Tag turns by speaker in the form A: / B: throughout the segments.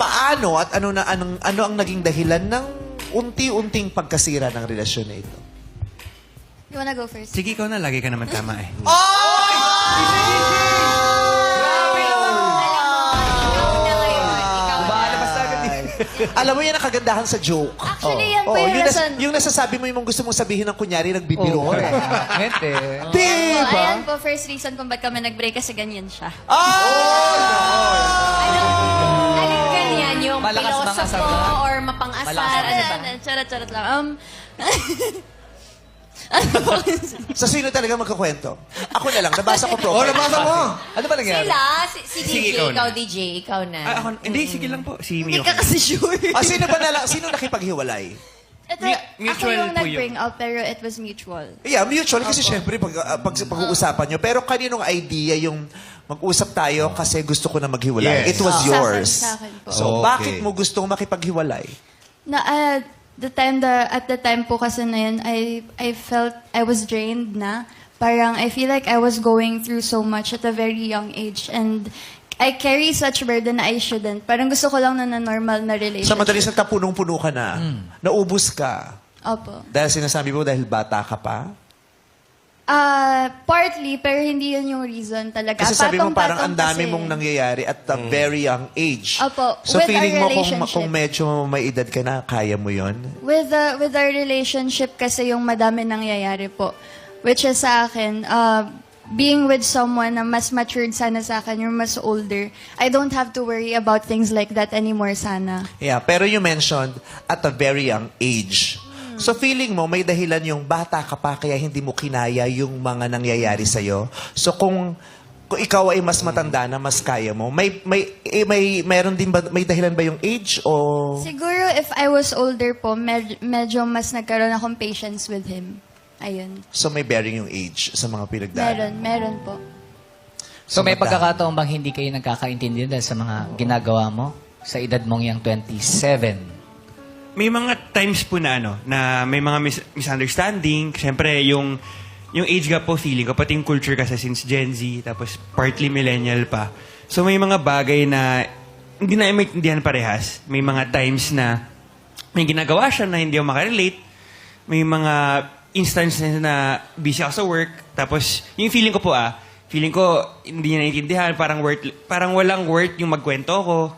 A: paano at ano ang naging dahilan ng unti-unting pagkasira ng relasyon na ito?
B: You wanna go first?
C: Sige, ikaw na. Lagi ka naman tama eh.
A: Alam mo yan ang kagandahan sa joke.
B: Actually, yan po yung rason.
A: Yung nasasabi mo yung gusto mong sabihin ng kunyari, nagbibiro ka.
D: Ngete.
A: Diba?
B: Ayan po, first reason kung ba't kami nag-break kasi ganyan siya.
E: Alin ganyan? Yung
D: Malakas
E: pilosopo
D: mangasar.
E: or mapang-asar?
B: Charot lang.
A: Sa sino talaga magkakwento? Ako na lang, nabasa ko
D: Oh,
A: profile.
D: nabasa mo! Ano ba nangyari?
E: Sila, si DJ,
C: Sige, ikaw na.
E: ikaw DJ, ikaw na.
C: Ako, hindi, sige lang po. Si
B: Hindi
C: Mio.
B: ka kasi sure.
A: Sino nakipaghiwalay?
B: Ito, ako
C: Mutual
B: yung
C: po
B: nag-bring out pero it was mutual.
A: Yeah, mutual kasi syempre pag-uusapan nyo. Pero kaninong idea yung mag-usap tayo kasi gusto ko na maghiwalay?
D: Yes.
A: It was yours.
B: Sa akin po.
A: So,
D: Okay.
A: bakit mo gustong makipaghiwalay?
B: At the time po kasi na yun, I felt I was drained na. Parang I feel like I was going through so much at a very young age and I carry such burden na I shouldn't. Parang gusto ko lang na normal na
A: Sa
B: relationship.
A: madalis na punong-puno ka na, naubos ka.
B: Opo.
A: Dahil sinasabi mo dahil bata ka pa?
B: Partly, pero hindi yun yung reason talaga.
A: Kasi sabi mo parang ang
B: Patong-patong
A: dami
B: kasi.
A: mong nangyayari at a very young age.
B: Opo,
A: So
B: with
A: feeling
B: our
A: mo
B: relationship.
A: kung medyo may edad ka na, kaya mo yon?
B: With our relationship kasi yung madami nangyayari po. Which is sa akin, being with someone na mas matured sana sa akin, yung mas older, I don't have to worry about things like that anymore sana.
A: Yeah, pero you mentioned at a very young age. So feeling mo may dahilan yung bata ka pa kaya hindi mo kinaya yung mga nangyayari sa'yo. So kung ikaw ay mas matanda na mas kaya mo, mayroon din ba, may dahilan ba yung age o
B: Siguro if I was older po, medyo mas nagkaroon akong patience with him. Ayun.
A: so may bearing yung age sa mga pinagdaanan?
B: Meron po.
D: So may
A: madami.
D: pagkakataon bang hindi kayo nagkakaintindihan dahil sa mga ginagawa mo sa edad mong yung 27?
C: May mga times po na na may mga misunderstanding. Siyempre, yung age gap po, feeling ko, pati yung culture kasi since Gen Z, tapos partly millennial pa. So may mga bagay na hindi na maintindihan parehas. May mga times na may ginagawa siya na hindi ako makarelate. May mga instances na busy ako sa work. Tapos, yung feeling ko hindi niya naiintindihan. Parang walang worth yung magkwento ko.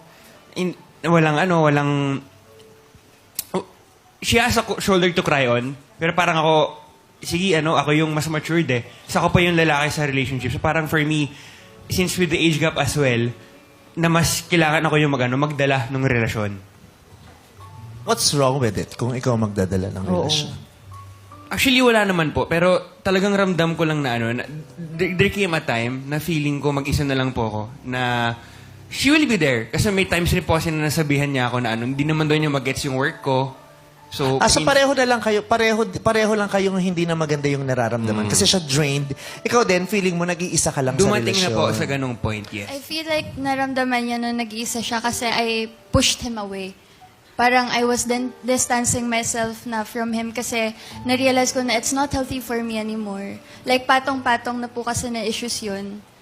C: She has a shoulder to cry on. Pero parang ako, sige, ako yung mas matured eh. Isa ko pa yung lalaki sa relationship. So parang for me, since with the age gap as well, na mas kailangan ako yung magdala ng relasyon.
A: What's wrong with it kung ikaw magdadala ng relasyon?
C: Actually, wala naman po. Pero talagang ramdam ko lang na there came a time na feeling ko mag-isa na lang po ako. Na she will be there. Kasi may times rin po kasi na nasabihan niya ako na hindi naman doon niya mag-gets yung work ko. So,
A: So pareho na lang kayo, pareho lang kayong hindi na maganda yung nararamdaman. Kasi siya drained. Ikaw din, feeling mo nag-iisa ka lang sa
C: dumating
A: relasyon.
C: na po sa ganung point, yes.
B: I feel like naramdaman niya na nag-iisa siya kasi I pushed him away. Parang I was distancing myself na from him kasi na-realize ko na it's not healthy for me anymore. Like patong-patong na po kasi na issues yun.